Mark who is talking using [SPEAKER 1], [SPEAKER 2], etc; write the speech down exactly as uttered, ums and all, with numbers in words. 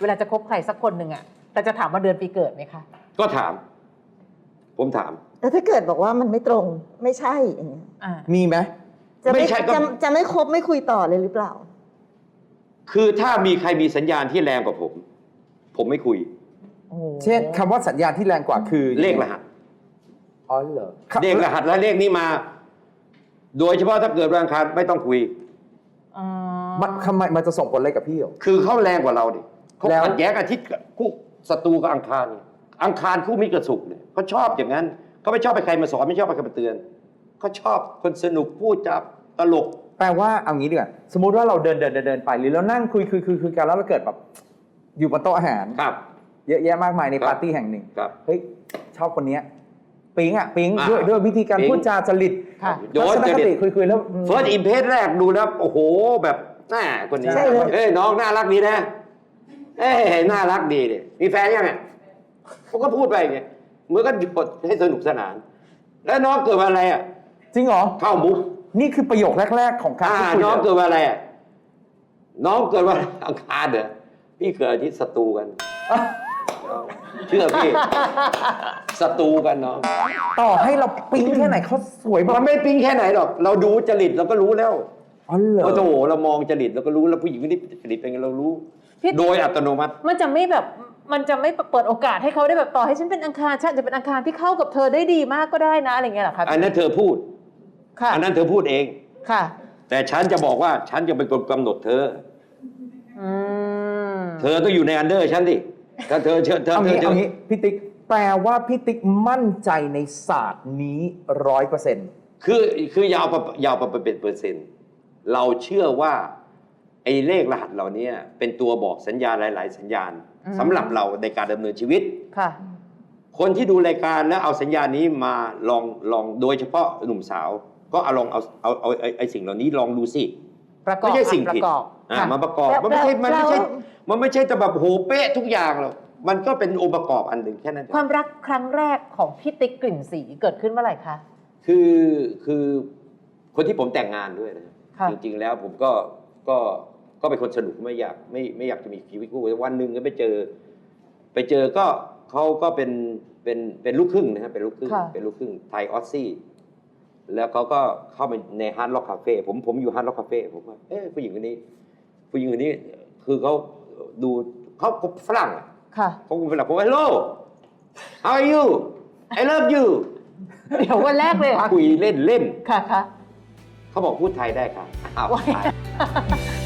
[SPEAKER 1] วลาจะคบใครสักคนหนึ่งอะแต่จะถามว่าเดือนปีเกิดไหมคะ
[SPEAKER 2] ก็ถาม ผมถาม
[SPEAKER 3] แล้วถ้าเกิดบอกว่ามันไม่ตรงไม่ใช่อย่างเงี้ย
[SPEAKER 4] มีไหม
[SPEAKER 3] จะไม่จะจะไม่คบไม่คุยต่อเลยหรือเปล่า
[SPEAKER 2] คือถ้ามีใครมีสัญญาณที่แรงกว่าผม ผมไม่คุย
[SPEAKER 4] เช่นคำว่าสัญญาณที่แรงกว่าคือ
[SPEAKER 2] เลขรหัส
[SPEAKER 4] อ๋อเหรอ
[SPEAKER 2] เลขรหัสและเลขนี้มา โดยเฉพาะถ้าเกิดวันอังคารไม่ต้องคุย
[SPEAKER 4] มันทำไมมันจะส่งผลอะไรกับพี่หรอ
[SPEAKER 2] คือเขาแรงกว่าเราดิเขาขัดแย้งอาทิตย์คู่ศัตรูกับอังคารอังคารคู่มิตรกับศุกร์เนี่ยเขาชอบอย่างนั้นเขาไม่ชอบไปใครมาสอนไม่ชอบไปใครมาเตือนเขาชอบคนสนุกพูดจับตลก
[SPEAKER 4] แปลว่าเอางี้ดีกว่าสมมุติว่าเราเดินเดินเดินไปหรือเรานั่งคุยคุยคุยคุยกันแล้วเราเกิดแบบอยู่บนโต๊ะอาหาร
[SPEAKER 2] ครับ
[SPEAKER 4] เยอะแยะมากมายในปาร์ตี้แห่งหนึ่ง
[SPEAKER 2] ครับ
[SPEAKER 4] เฮ้ยชอบคนนี้ปิ๊งอ่ะปิ๊งด้วยด้วยวิธีการพูดจาจริต
[SPEAKER 2] โดยจริต
[SPEAKER 4] คุยคุยแล้ว
[SPEAKER 2] เฟิร์สอิมเพรสแรกดูแล้วโอ้โหแบบน่าคนนี้เอ้ยน้องน่ารักดีนะเอ้ยน่ารักดีดิมีแฟนยังไงเขาก็พูดไปไงเมื่อก็หยุดให้สนุกสนานแล้วน้องเกิดวันอะไรอ่ะ
[SPEAKER 4] จริงเหรอ
[SPEAKER 2] เข้ามุก
[SPEAKER 4] นี่คือประโยคแรกๆของการ
[SPEAKER 2] พูดคุยน้องเกิดวันอะไรอ่ะน้องเกิดวันอังคารเหรอพี่เกิดอาทิตย์ศัตรูกันเชื่อพี่ศัตรูกันน้อง
[SPEAKER 4] ต่อให้เราปิ๊งแค่ไหนเขาสวย
[SPEAKER 2] มันไม่ปิ๊งแค่ไหนหรอกเราดูจริตเราก็รู้แล้ว
[SPEAKER 4] อ๋อเหรอ
[SPEAKER 2] โอ้โหเรามองจริตเราก็รู้แล้วผู้หญิงคนนี้จริตเป็นไงเรารู้โดยอัตโนมัติ
[SPEAKER 1] มันจะไม่แบบมันจะไม่เปิดโอกาสให้เขาได้แบบต่อให้ฉันเป็นอังคารฉันจะเป็นอังคารที่เข้ากับเธอได้ดีมากก็ได้นะอะไรเงี้ยหรอครับ
[SPEAKER 2] อันนั้นเธอพูด
[SPEAKER 1] ค่ะ
[SPEAKER 2] อันนั้นเธอพูดเอง
[SPEAKER 1] ค่ะ
[SPEAKER 2] แต่ฉันจะบอกว่าฉันจะเป็นคนกำหนดเธอเธอต้องอยู่ในอันเดอร์ฉันดิถ้าเธอเชื่อเธอ
[SPEAKER 4] เอางี้เอางี้พี่ติ๊กแปลว่าพี่ติ๊กมั่นใจในศาสตร์นี้ร้อยเปอร์เซ็นต์
[SPEAKER 2] คือคือยาวยาวไปเป็นเปอร์เซ็นต์เราเชื่อว่าไอ้เลขรหัสเหล่านี้เป็นตัวบอกสัญญาณหลายๆสัญญาณสำหรับเราในการดำเนินชีวิต
[SPEAKER 1] ค่ะ
[SPEAKER 2] คนที่ดูรายการแล้วเอาสัญญาณนี้มาลองลองโดยเฉพาะหนุ่มสาวก็เอาลองเอาเอาเอาไอ้สิ่งเหล่านี้ลองดูสิไม่ใช่สิ่งผิดอ่ามาประกอบมันไม่ใช่มันไม่ใช่มันไม่ใช่จะแบบโหเป๊ะทุกอย่างหรอกมันก็เป็นองค์ประกอบอันหนึ่งแค่นั้น
[SPEAKER 1] ความรักครั้งแรกของพี่ติ๊กกลิ่นสีเกิดขึ้นเมื่อไหร่คะ
[SPEAKER 2] คือคือคนที่ผมแต่งงานด้วยนะจริงๆแล้วผมก็ก็ก็เป็นคนสนุกไม่อยากไม่ไม่อยากจะมีชีวิตคู่วันหนึ่งก็ไปเจอไปเจอก็เขาก็เป็นเป็นเป็นลูกครึ่งนะฮะเป็นลูกครึ่งเป็นลูกครึ่งไทยออสซี่แล้วเขาก็เข้าไปในฮาร์ดล็อกคาเฟ่ผมผมอยู่ฮาร์ดล็อกคาเฟ่ผมว่าเอ๊ะผู้หญิงคนนี้ผู้หญิงคนนี้คือเขาดูเขาฝรั่งเขาเป็นฝรั่งผมว่า hello how are you I love you
[SPEAKER 1] เดี๋ยววันแรกเลย
[SPEAKER 2] คุยเล่นเล่น
[SPEAKER 1] ค่ะค่ะ
[SPEAKER 2] เขาบอกพูดไทยได้ค่ะอ้าว